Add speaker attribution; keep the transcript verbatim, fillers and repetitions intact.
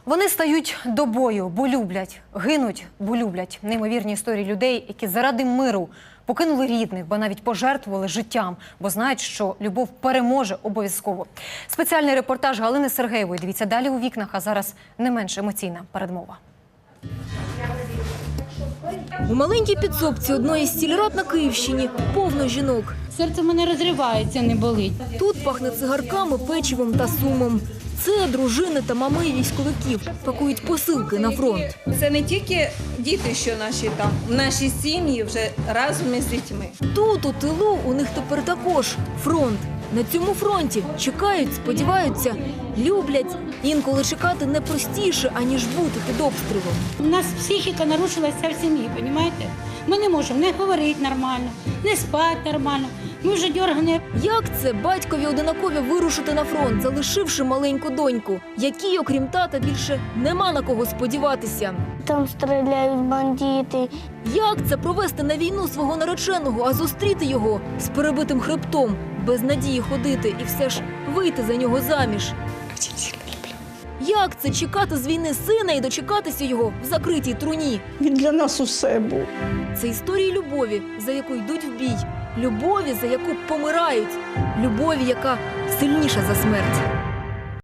Speaker 1: Вони стають до бою, бо люблять, гинуть, бо люблять. Неймовірні історії людей, які заради миру покинули рідних, бо навіть пожертвували життям, бо знають, що любов переможе обов'язково. Спеціальний репортаж Галини Сергеєвої. Дивіться далі у вікнах, а зараз не менш емоційна передмова.
Speaker 2: У маленькій підсобці одної з сільрад на Київщині повно жінок.
Speaker 3: Серце в мене розривається, не болить.
Speaker 2: Тут пахне цигарками, печивом та сумом. Це дружини та мами військовиків пакують посилки на фронт.
Speaker 4: Це не тільки діти, що наші там, наші сім'ї вже разом із дітьми.
Speaker 2: Тут, у тилу, у них тепер також фронт. На цьому фронті чекають, сподіваються, люблять. Інколи чекати не простіше, аніж бути під обстрілом.
Speaker 3: У нас психіка нарушилася в сім'ї, розумієте? Ми не можемо не говорити нормально, не спати нормально. Ми вже дергані.
Speaker 2: Як це батькові одинакові вирушити на фронт, залишивши маленьку доньку, якій, окрім тата, більше нема на кого сподіватися?
Speaker 5: Там стріляють бандити.
Speaker 2: Як це провести на війну свого нареченого, а зустріти його з перебитим хребтом, без надії ходити і все ж вийти за нього заміж? Як це чекати з війни сина і дочекатися його в закритій труні?
Speaker 6: Він для нас усе був.
Speaker 2: Це історії любові, за яку йдуть в бій. Любові, за яку помирають. Любові, яка сильніша за смерть.